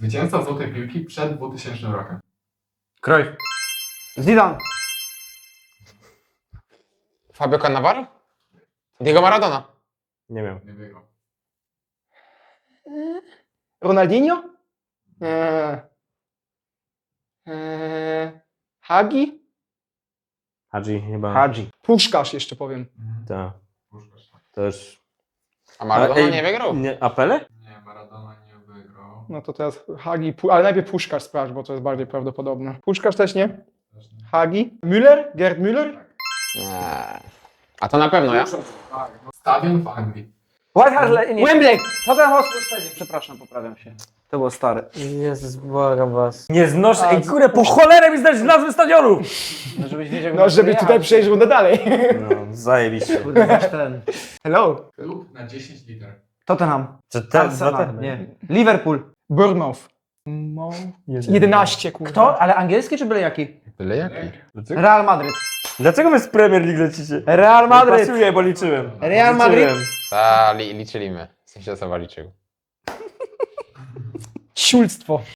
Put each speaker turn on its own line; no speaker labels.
Zwycięzca Złotej Piłki przed 2000 rokiem.
Cruyff.
Zidane.
Fabio Cannavaro? Diego Maradona.
Nie wiem.
Nie wygrał.
Ronaldinho? Hagi?
Hadzi chyba.
Hadzi. Puszkarz jeszcze powiem.
Tak.
Puszkarz.
Też.
A Maradona
Ej,
nie wygrał?
Nie, a Pele?
Nie, Maradona nie wygrał.
No to teraz Hagi, ale najpierw Puszkarz sprawdź, bo to jest bardziej prawdopodobne. Puszkarz też nie?
Też nie.
Hagi? Müller? Gerd Müller?
Nie. A to na pewno ja?
Tak, no. Stadion w Anglii.
White Hart Lane, nie.
Wembley!
Tottenham Hotspur Stadium, przepraszam, poprawiam się. To było stare.
Jezus, błagam was. Nie znoszę. Ej, kurde, po cholerę mi znać nazwy stadionu!
No żebyś wiedział,
No,
gdzie
żeby
jechać.
tutaj przejść rundę dalej.
No, zajebiście.
Kurde, masz ten.
Hello?
Klub na 10 liter.
Tottenham.
Czy te
Arsenal, nie. Liverpool.
Bournemouth. 11, kurwa.
Kto? Ale angielski czy byle jaki?
Byle jaki.
Real Madryt.
Dlaczego wy z Premier League lecicie?
Real Madryt.
Pasuje, bo liczyłem.
Real Madryt.
Liczyłem.
Ta, liczyliśmy. W sensie osoba liczył.
Ciulstwo.